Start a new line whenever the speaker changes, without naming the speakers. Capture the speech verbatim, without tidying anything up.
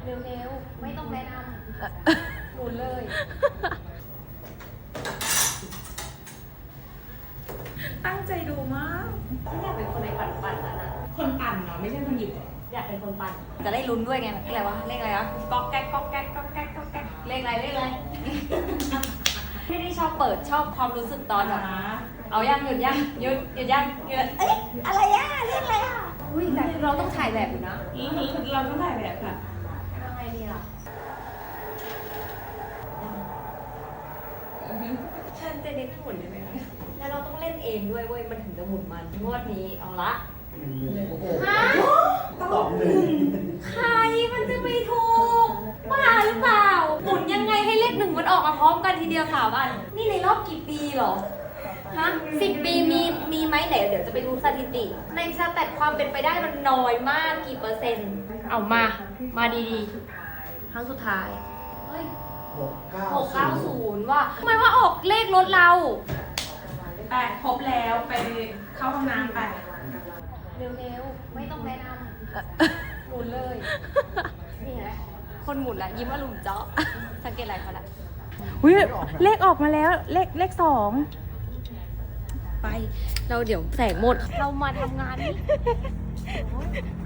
เร็วๆไม่ต้องแนะนำหมุนเลย
ตั้งใจดูมาก
ฉันอยากเป็นคนในปั่นปั่นแล้วนะ
คนปั่นเนาะไม่ใช่คนหยิบ
อยากเป็นคนปั่นจะได้ลุ้นด้วยไงเลขอะไรวะเลขอะไรวะก๊อกแก๊กก๊อกแก๊กก๊อกแก๊กก๊อกแก๊กเลขอะไรเลขอะไรไม่ได้ชอบเปิดชอบความรู้สึกตอนแบบเอายังหยุดยังหยุดหยุดยังหยุดเอ๊ะอะไรอ่ะเลขอะไรอ่ะอุ้ยแต่เราต้องถ่ายแบบอยู่นะ
เราต้องถ่ายแบบค่ะ
ยังไงดีล่ะฉันจะเน้นหมุนได้ไหมแล้วเราต้องเล่นเองด้วยเว้ยมันถึงจะหมุนมันงวดนี้เอาละฮะ
สองหนึ่ง
ใครมันจะไปถูกบ้าหรือเปล่าหมุนยังไงให้เลขหนึ่งมันออกมาพร้อมกันทีเดียวค่ะบ้านนี่ในรอบกี่ปีเหรอฮะสิบปีมีมีไหมไหนเดี๋ยวจะไปดูสถิติ ในสแตทความเป็นไปได้มันน้อยมากกี่เปอร์เซ็นต์เอามามาดีๆครั้งสุดท้ายเฮ้ย
หกเก้า
หกเก้าศูนย์ว่ะทำไมว่าออกเลขรถเรา
ไปครบแล้วไปเข้าห้องน้ำไป
เร็วๆไม่ต้องแนะนำหมุนเลยนี่ไงคนหมุนละยิ้มอารมณ์เจาะสังเกตอะไรเขาละ
อุ้ยเลขออกมาแล้วเลขเลขสอง
ไปเราเดี๋ยวแสงหมดเรามาทำงานนี่